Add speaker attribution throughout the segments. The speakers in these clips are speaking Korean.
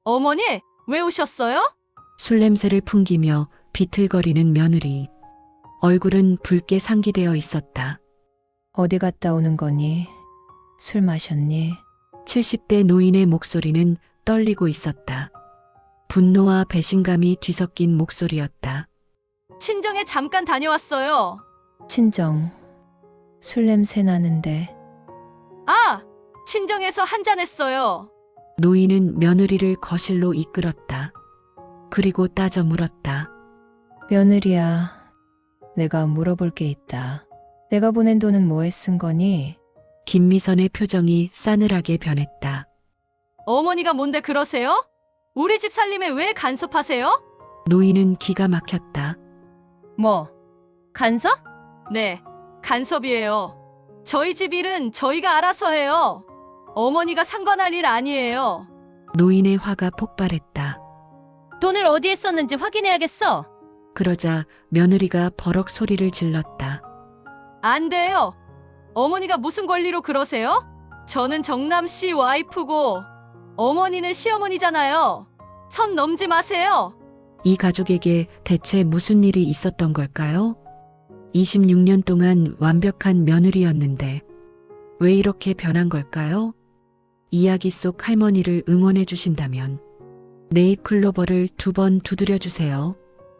Speaker 1: 어머니, 왜 오셨어요?
Speaker 2: 술 냄새를 풍기며 비틀거리는 며느리. 얼굴은 붉게 상기되어 있었다.
Speaker 3: 어디 갔다 오는 거니? 술 마셨니?
Speaker 2: 70대 노인의 목소리는 떨리고 있었다. 분노와 배신감이 뒤섞인 목소리였다.
Speaker 1: 친정에 잠깐 다녀왔어요.
Speaker 3: 친정. 술 냄새 나는데.
Speaker 1: 아, 친정에서 한잔했어요.
Speaker 2: 노인은 며느리를 거실로 이끌었다. 그리고 따져 물었다.
Speaker 3: 며느리야, 내가 물어볼 게 있다. 내가 보낸 돈은 뭐에 쓴 거니?
Speaker 2: 김미선의 표정이 싸늘하게 변했다.
Speaker 1: 어머니가 뭔데 그러세요? 우리 집 살림에 왜 간섭하세요?
Speaker 2: 노인은 기가 막혔다.
Speaker 1: 뭐, 간섭? 네, 간섭이에요. 저희 집 일은 저희가 알아서 해요. 어머니가 상관할 일 아니에요.
Speaker 2: 노인의 화가 폭발했다.
Speaker 1: 돈을 어디에 썼는지 확인해야겠어.
Speaker 2: 그러자 며느리가 버럭 소리를 질렀다.
Speaker 1: 안 돼요. 어머니가 무슨 권리로 그러세요? 저는 정남 씨 와이프고 어머니는 시어머니잖아요. 선 넘지 마세요.
Speaker 2: 이 가족에게 대체 무슨 일이 있었던 걸까요? 26년 동안 완벽한 며느리였는데 왜 이렇게 변한 걸까요? 이야기 속 할머니를 응원해 주신다면 네잎클로버를 2번 두드려 주세요.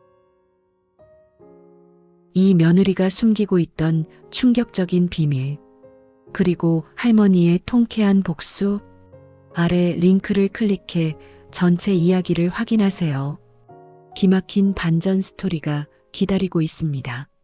Speaker 2: 이 며느리가 숨기고 있던 충격적인 비밀, 그리고 할머니의 통쾌한 복수, 아래 링크를 클릭해 전체 이야기를 확인하세요. 기막힌 반전 스토리가 기다리고 있습니다.